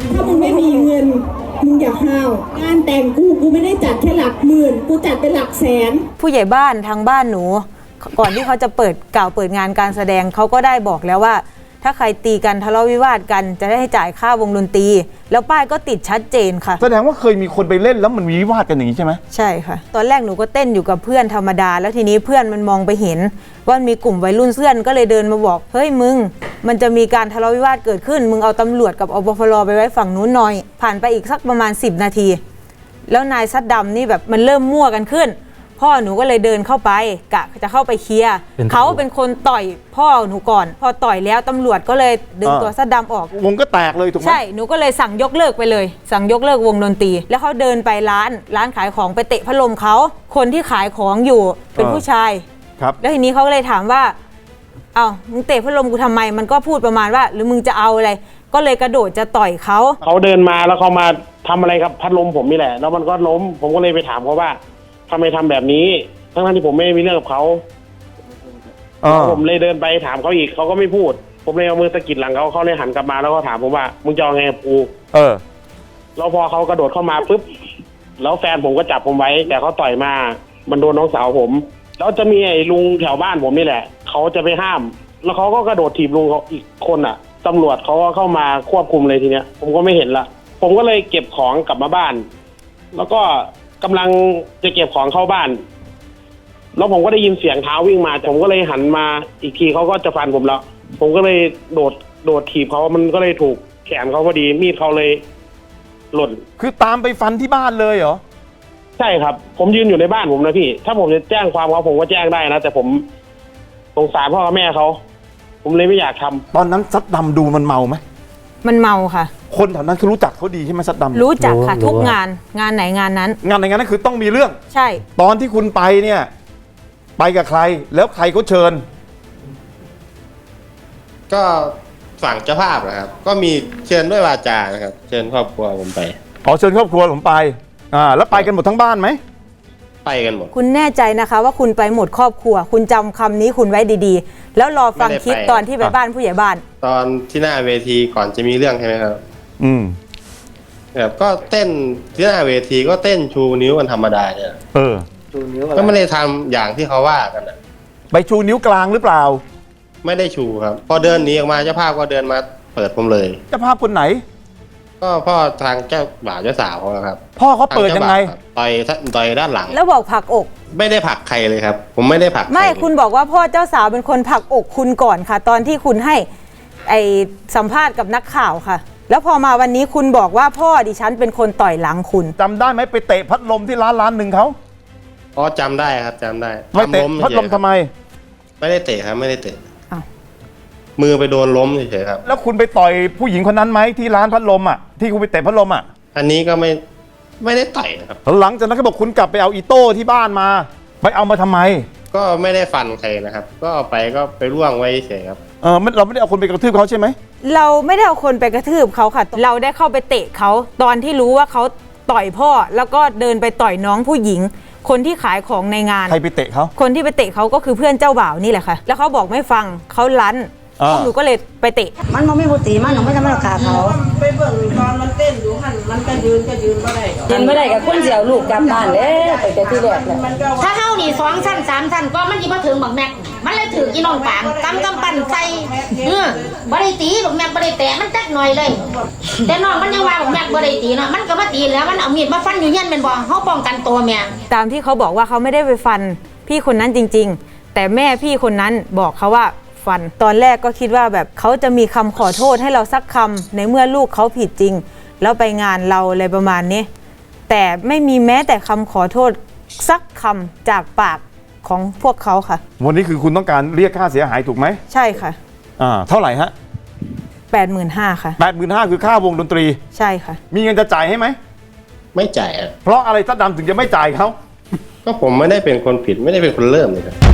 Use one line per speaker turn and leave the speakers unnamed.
ถ้ามึงไม่มีเงินมึงอย่าห้าวงานแต่งกูไม่ได้จัดแค่หลักหมื่นกูจัดเป็นหลักแสน
ผู้ใหญ่บ้านทางบ้านหนูก่อนที่เขาจะเปิดงานการแสดงเขาก็ได้บอกแล้วว่าถ้าใครตีกันทะเลาะวิวาทกันจะได้ให้จ่ายค่าวงดนตรีแล้วป้ายก็ติดชัดเจนค่ะ
แสดงว่าเคยมีคนไปเล่นแล้วมันมีวิวาทกันอย่างนี้ใช่ไหม
ใช่ค่ะตอนแรกหนูก็เต้นอยู่กับเพื่อนธรรมดาแล้วทีนี้เพื่อนมันมองไปเห็นว่ามีกลุ่มวัยรุ่นเพื่อนก็เลยเดินมาบอกเฮ้ยมึงมันจะมีการทะเลาะวิวาทเกิดขึ้นมึงเอาตำรวจกับอบฟรไปไว้ฝั่งนู้นหน่อยผ่านไปอีกสักประมาณ10 นาทีแล้วนายซัดดำนี่แบบมันเริ่มมั่วกันขึ้นพ่อหนูก็เลยเดินเข้าไปกะจะเข้าไปเคลียร์เขาเป็นคนต่อยพ่อหนูก่อนพอต่อยแล้วตำรวจก็เลยดึงตัวซัดดำออก
วงก็แตกเลยถูกไหม
ใช่หนูก็เลยสั่งยกเลิกไปเลยสั่งยกเลิกวงดนตรีแล้วเขาเดินไปร้านขายของไปเตะพัดลมเขาคนที่ขายของอยู่เป็นผู้ชาย
ครับ
แล้วทีนี้เขาก็เลยถามว่าเอ้ามึงเตะพัดลมกูทำไมมันก็พูดประมาณว่าหรือมึงจะเอาอะไรก็เลยกระโดดจะต่อยเขา
เดินมาแล้วเขามาทำอะไรกับพัดลมผมนี่แหละแล้วมันก็ล้มผมก็เลยไปถามเขาว่าทำไมทำแบบนี้ทั้งที่ผมไม่มีเรื่องกับเขาผมเลยเดินไปถามเขาอีกเขาก็ไม่พูดผมเลยเอามือสะกิดหลังเขาเลยหันกลับมาแล้วก็ถามผมว่ามึงจะเอาไงกับกูแล้วพอเขากระโดดเข้ามาปุ๊บแล้วแฟนผมก็จับผมไว้แต่เขาต่อยมามันโดนน้องสาวผมแล้วจะมีไอ้ลุงแถวบ้านผมนี่แหละเขาจะไปห้ามแล้วเขาก็กระโดดถีบลุงเขาอีกคนอ่ะตำรวจเขาก็เข้ามาควบคุมเลยทีเนี้ยผมก็ไม่เห็นละผมก็เลยเก็บของกลับมาบ้านแล้วก็กำลังจะเก็บของเข้าบ้านแล้วผมก็ได้ยินเสียงเท้าวิ่งมาผมก็เลยหันมาอีกทีเขาก็จะฟันผมแล้วผมก็เลยโดดถีบเขามันก็เลยถูกแขนเขาพอดีมีดเขาเลยหล่น
คือตามไปฟันที่บ้านเลยเหรอ
ใช่ครับผมยืนอยู่ในบ้านผมนะพี่ถ้าผมจะแจ้งความเขาผมก็แจ้งได้นะแต่ผมสงสารพ่อกับแม่เขาผมเลยไม่อยากทำ
ตอนนั้นซัดดำดูมันเมาไหม
มันเมาค่ะ
คนแถวนั้นคือรู้จักเขาดีใช่ไหมซัดดำ
รู้จักค่ะทุกงานไหนงานนั้น
คือต้องมีเรื่อง
ใช่
ตอนที่คุณไปเนี่ยไปกับใครแล้วใครเขาเชิญ
ก็ฝั่งเจ้าภาพนะครับก็มีเชิญด้วยวาจานะครับเชิญครอบครัวผมไป
เชิญครอบครัวผมไปแล้วไปกันหมดทั้งบ้านไหม
ไปกันหมด
คุณแน่ใจนะคะว่าคุณไปหมดครอบครัวคุณจำคำนี้คุณไว้ดีๆแล้วรอฟังคลิปตอนที่ไปบ้านผู้ใหญ่บ้าน
ตอนที่หน้าเวทีก่อนจะมีเรื่องใช่ไหมครับแบบก็เต้นที่หน้าเวทีก็เต้นชูนิ้วกันธรรมดาเนี่ย
ชูนิ้ว
ก็ไม่ได้ทำอย่างที่เขาว่ากันนะ
ไปชูนิ้วกลางหรือเปล่า
ไม่ได้ชูครับพอเดินหนีออกมาเจ้าภาพก็เดินมาเปิดผมเลย
เจ้าภาพคนไหน
ก็พ่อทางเจ้าบ่าวเจ้าสาวครับ
พ่อเขาเปิดยังไง
ต่อยด้านหลัง
แล้วบอกผลักอก
ไม่ได้ผลักใครเลยครับผมไม่ได้ผลัก
ไม่คุณบอกว่าพ่อเจ้าสาวเป็นคนผลักอกคุณก่อนค่ะตอนที่คุณให้สัมภาษณ์กับนักข่าวค่ะแล้วพอมาวันนี้คุณบอกว่าพ่อดิฉันเป็นคนต่อยหลังคุณ
จำได้ไหมไปเตะพัดลมที่ร้านหนึ่งเขา
จำได้ครับจำได้
ไม่เตะพัดลมทำไม
ไม่ได้เตะครับไม่ได้เตะมือไปโดนล้มเฉยๆครับ
แล้วคุณไปต่อยผู้หญิงคนนั้นไหมที่ร้านพัดลมที่คุณไปเตะพัดลม
อันนี้ก็ไม่ได้ต่อยครับ
หลังจากนั้นเขาบอกคุณกลับไปเอาอีโต้ที่บ้านมาไปเอามาทำไม
ก็ไม่ได้ฟันใครนะครับก็เอาไปก็ไปร่วงไว้เฉยครับ
เราไม่ได้เอาคนไปกระทืบเขาใช่ไหม
เราไม่ได้เอาคนไปกระทืบเขาค่ะเราได้เข้าไปเตะเขาตอนที่รู้ว่าเขาต่อยพ่อแล้วก็เดินไปต่อยน้องผู้หญิงคนที่ขายของในงาน
ใครไปเตะเขา
คนที่ไปเตะเขาก็คือเพื่อนเจ้าบ่าวนี่แหละค่ะแล้วเขาบอกไม่ฟังเขารั้นหนูก็เลยไปเตะ
มันไม่พูดตีมันหนูไม่ทำให้เราขาเขา
ไปเบิ่งตอนมันเต้นอยู่หันมันก็ยืนไม่ได้
กับคนเสียวลูกกลับบ้านเลยไปแต่ที่แรกเลย
ถ้าเฮานี่2 ชั้น 3 ชั้นก็มันสิบ่ถึงบักแม็กมันเลยถึงอีน้องปางกำปั่นใส่บ่ได้ตีบักแม็กบ่ได้แตะมันจักหน่อยเลยแต่น้องมันยังว่าบักแม็กบ่ได้ตีเนาะมันก็มาตีแล้วมันเอามีดมาฟันอยู่เฮียนแม่นบ่เฮาป้องกันตัวแม่
ตามที่เขาบอกว่าเขาไม่ได้ไปฟันพี่คนนั้นจริงๆแต่แม่พี่คนนั้นบอกเขาว่าฟันตอนแรกก็คิดว่าแบบเขาจะมีคำขอโทษให้เราสักคำในเมื่อลูกเขาผิดจริงแล้วไปงานเราอะไรประมาณนี้แต่ไม่มีแม้แต่คำขอโทษสักคำจากปากของพวกเขาค่ะ
วันนี้คือคุณต้องการเรียกค่าเสียหายถูกไหม
ใช่ค่ะ
เท่าไหร่ฮะ
85,000 ค่ะ
85,000คือค่าวงดนตรี
ใช่ค่ะ
มีเงินจะจ่ายให้ไหม
ไม่จ่าย
เพราะอะไรซัดดำถึงจะไม่จ่ายเขา
ก็ผมไม่ได้เป็นคนผิดไม่ได้เป็นคนเริ่มเลยครับ